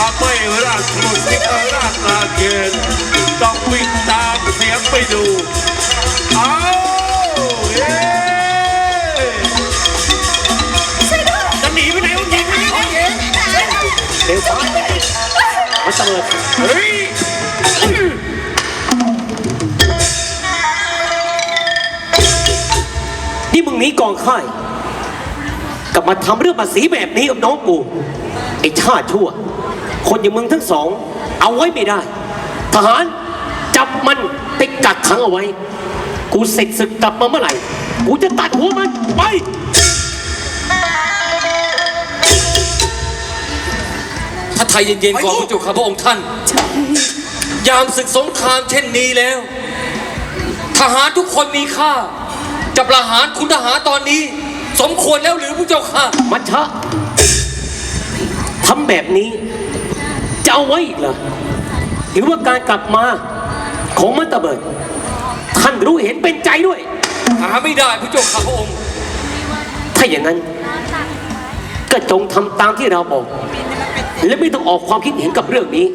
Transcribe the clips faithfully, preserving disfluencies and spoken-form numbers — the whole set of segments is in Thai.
ถ้าไม่ราดมุสิกราดนาเกณฑ์ต้องวิ่งตามเสียงไปดูเอาเย้จะหนีไปไหนวะเก่งไม่ได้เองเดี๋ยวฟ้ามาเสมอเฮ้ยนี่มึงหนีกองค่ายกลับมาทำเรื่องภาษีแบบนี้กับน้องกูไอ้ชาติชั่วคนอย่างมึงทั้งสองเอาไว้ไม่ได้ทหารจับมันติดกักขังเอาไว้กูเสร็จศึกกลับมาเมื่อไหร่กูจะตัดหัวมันไปถ้าไทยเย็นๆก่อนพระเจ้าข้าพระองค์ท่านยามศึกสงครามเช่นนี้แล้วทหารทุกคนมีค่าจะประหารคุณทหารตอนนี้สมควรแล้วหรือพระเจ้าค่ะมัชชะทำแบบนี้จะเอาไว้อีกเหรอหรือว่าการกลับมาของมัตตเบิดท่านรู้เห็นเป็นใจด้วยหาไม่ได้พระเจ้าข้าพระองค์ถ้าอย่างนั้นก็จงทำตามที่เราบอกและไม่ต้องออกความคิดเห็นกับเรื่องนี้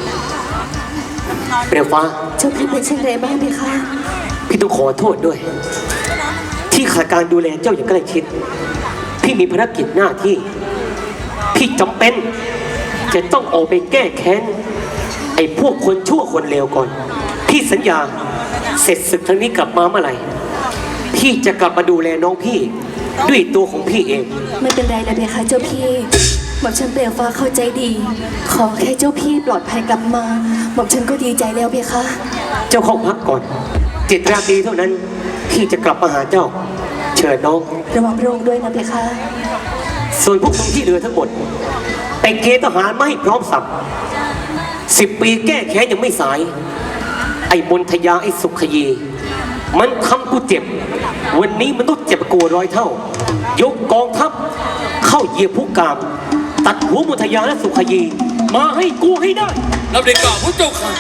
เปลวฟ้าเจ้าพี่เป็นเช่นไรบ้างพี่คะพี่ต้องขอโทษด้วยที่ขาดการดูแลเจ้าอย่างใกล้ชิดพี่มีภารกิจหน้าที่พี่จำเป็นจะต้องออกไปแก้แค้นไอ้พวกคนชั่วคนเลวก่อนพี่สัญญาเสร็จศึกครั้งนี้กลับมาเมื่อไหร่พี่จะกลับมาดูแลน้องพี่ด้วยตัวของพี่เองไม่เป็นไรนะเพคะเจ้าพี่หม่อมฉันเปลวฟ้าเข้าใจดีขอแค่เจ้าพี่ปลอดภัยกลับมาหม่อมฉันก็ดีใจแล้วเพคะเจ้าเข้าพักก่อนเจ็ดราตรีเท่านั้นพี่จะกลับมาหาเจ้าเชิญน้องระวังพระองค์ด้วยนะเพคะส่วนพวกมึงที่เหลือทั้งหมดไปเกณฑ์ทหารไม่พร้อมสับสิบปีแก้แค้นยังไม่สายไอ้มนทยาไอ้สุขยีมันทำกูเจ็บวันนี้มันต้องเจ็บกูร้อยเท่ายกกองทัพเข้าเหยียบผู้กามตัดหัวมนทยาและสุขยีมาให้กูให้ได้เราได้กล่าวพระเจ้าค่ะ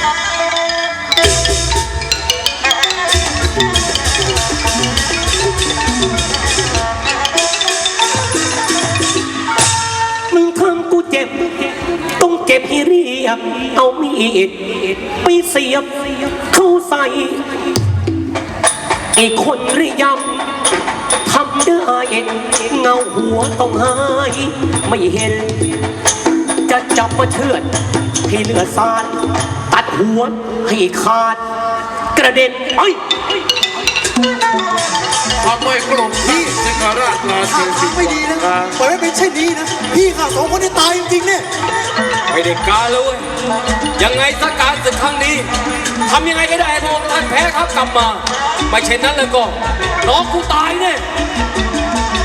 มึงทำกูเจ็บต้องเจ็บให้เรียบเอามีดไปเสียบเข้าใส่ไอ้คนเรียมทำได้เงาหัวต้องหายไม่เห็นจะจับมาเชือดให้เลือดสาดตัดหัวให้ขาดกระเด็นไอ้ทำไมกลุ่มพี่สิงหราชนาเกณฑ์ไม่ดีนะปล่อยไม่เป็นเช่นนี้นะพี่ข้าสองคนได้ตายจริงๆเนี่ยไม่ได้การเลยยังไงสักการศึกครั้งนี้ทำยังไงก็ได้พระองค์ท่านแพ้ครับกลับมาไม่เช่นนั้นแล้วก็น้องกูตายเนี่ย